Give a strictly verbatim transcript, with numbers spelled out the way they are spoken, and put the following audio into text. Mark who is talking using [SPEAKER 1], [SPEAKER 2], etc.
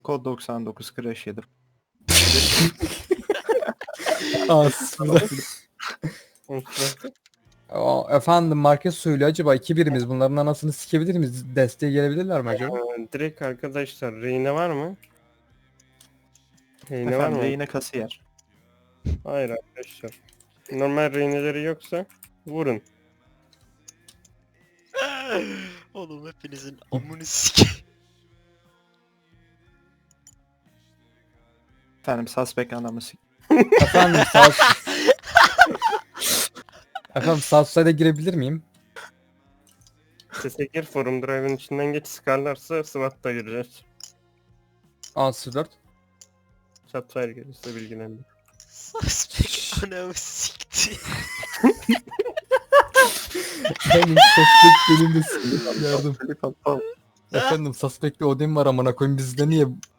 [SPEAKER 1] Kod doksan dokuz crash yedim.
[SPEAKER 2] Aslında. Aa, efendim market söylüyor, acaba iki birimiz bunların anasını sikebilir miyiz? Desteğe gelebilirler mi acaba?
[SPEAKER 3] Ee, direkt arkadaşlar reyne var mı? Reyne var
[SPEAKER 1] Efendim
[SPEAKER 3] mı?
[SPEAKER 1] rehine kasiyer.
[SPEAKER 3] Hayır arkadaşlar. Normal reyneleri yoksa vurun.
[SPEAKER 4] Oğlum hepinizin amını sikeyim.
[SPEAKER 1] Efendim suspect anamı sik.
[SPEAKER 2] Efendim sağ Efendim Southside'a girebilir miyim?
[SPEAKER 3] Sese gir, forum drive'ın içinden geç, sıkarlarsa SWAT'ta gireceğiz.
[SPEAKER 2] A sıfır dört.
[SPEAKER 3] Chatfire gelirse bilgilendir.
[SPEAKER 4] Suspect anamı sikti.
[SPEAKER 2] Efendim suspect benim de s- yardım.
[SPEAKER 1] Flip atmam.
[SPEAKER 2] Efendim suspect'te Odin var amına koyayım, bizde niye